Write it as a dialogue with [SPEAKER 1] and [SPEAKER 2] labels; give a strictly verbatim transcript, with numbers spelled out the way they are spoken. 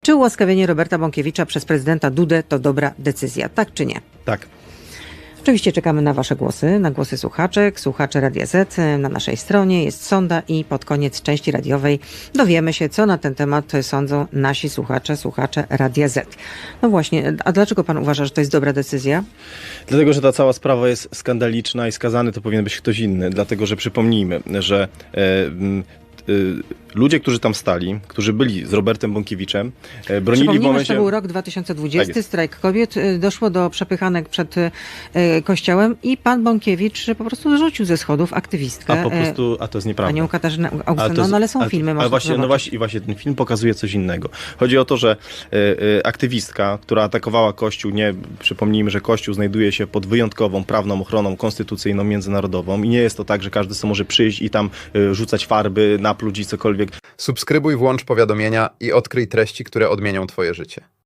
[SPEAKER 1] Czy ułaskawienie Roberta Bąkiewicza przez prezydenta Dudę to dobra decyzja? Tak czy nie?
[SPEAKER 2] Tak.
[SPEAKER 1] Oczywiście czekamy na wasze głosy, na głosy słuchaczek, słuchaczy Radia Z. Na naszej stronie jest sonda i pod koniec części radiowej dowiemy się, co na ten temat sądzą nasi słuchacze, słuchacze Radia Z. No właśnie, a dlaczego pan uważa, że to jest dobra decyzja?
[SPEAKER 2] Dlatego, że ta cała sprawa jest skandaliczna i skazany to powinien być ktoś inny. Dlatego, że przypomnijmy, że e, m, y, ludzie, którzy tam stali, którzy byli z Robertem Bąkiewiczem, e, bronili w
[SPEAKER 1] Przypomnijmy,
[SPEAKER 2] momencie...
[SPEAKER 1] że to był rok dwa tysiące dwudziesty,
[SPEAKER 2] Tak jest.
[SPEAKER 1] strajk kobiet, y, doszło do przepychanek przed y, kościołem i pan Bąkiewicz po prostu rzucił ze schodów aktywistkę.
[SPEAKER 2] A po
[SPEAKER 1] y,
[SPEAKER 2] prostu, a to jest nieprawda.
[SPEAKER 1] Panią Katarzynę
[SPEAKER 2] Ale
[SPEAKER 1] Augustynę,
[SPEAKER 2] to jest-
[SPEAKER 1] no ale są
[SPEAKER 2] ale-
[SPEAKER 1] filmy,
[SPEAKER 2] ale
[SPEAKER 1] można
[SPEAKER 2] właśnie,
[SPEAKER 1] zobaczyć.
[SPEAKER 2] no właśnie, i właśnie ten film pokazuje coś innego. Chodzi o to, że y, y, aktywistka, która atakowała Kościół, nie, przypomnijmy, że Kościół znajduje się pod wyjątkową prawną ochroną konstytucyjną, międzynarodową i nie jest to tak, że każdy sobie może przyjść i tam y, rzucać farby, napluć i cokolwiek.
[SPEAKER 3] Subskrybuj, włącz powiadomienia i odkryj treści, które odmienią twoje życie.